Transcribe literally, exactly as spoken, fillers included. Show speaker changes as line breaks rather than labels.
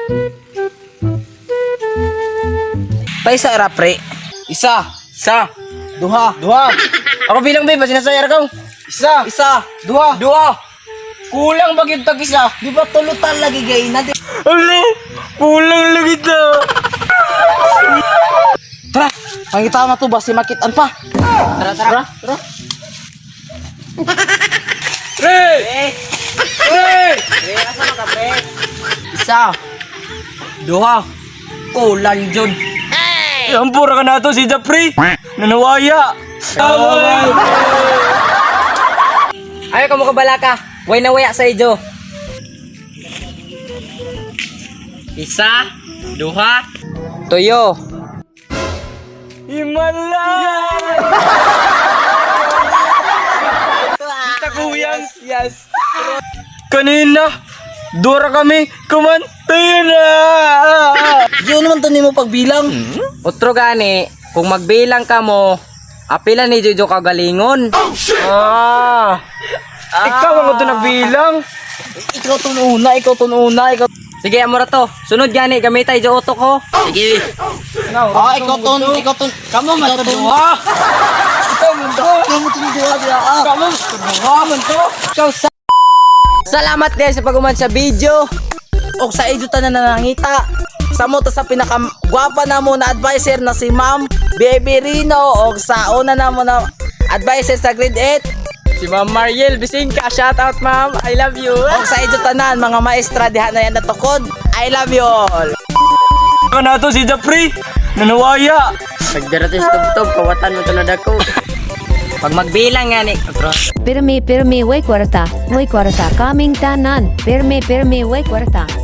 Paisa ra pre.
Isa.
Isa.
Duha.
Duha. Ako bilang be, basi nasayar ka.
Isa.
Isa.
Duha.
Duha. Kulang ba gyud tag isa?
Di ba tulutan lagi gay na di?
Ala, kulang lagi to.
Tara, pangitaw na to ba si makitan pa?
Tara, tara.
Tara.
Pre! Pre! Pre, asa man ka, pre? Isa. Duha. Kulang jud. Hey! Ampura ka na to si Japri. Nanawaya. Ayaw ka mo kabalaka. Way na waya sa ijo. Isa, duha, tuyo. Himalay! Kita kuyang. Yes. Kanina, dura kami, kumantay na.
Yun naman to nimo pagbilang.
Otro gani, kung magbilang ka mo, apila ni Jojo kagalingon. Ah. Ikaw ang ito nagbilang.
Ikaw to una, ikaw to una, ikaw.
Sige, amora to. Sunod gani, gamitay jo oto ko. Sige.
Ah, ikaw to, ikaw to. Kamu man to.
Duha.
Ikaw man to. Kamu to duha dia. Ah.
Kamu, duha man to. Ikaw sa... Salamat guys sa pag-uman sa video.
Og sa ijo tanan na nangita. Sa mo to sa pinakagwapa na mo na advisor na si Ma'am Baby Rino og sa una na mo na advisor sa grade eight.
Si Ma'am Mariel Bisingka, shout out ma'am. I love you.
Og sa ijo tanan mga maestra diha na yan natukod. I love you all.
Ano na to si Japri? Nanawaya. Pagdarating sa tubtob, kawatan mo to na dako. Pag magbilang nga ni.
Pirmi pirmi way kwarta, way kwarta, kaming tanan. Pirmi pirmi way kwarta.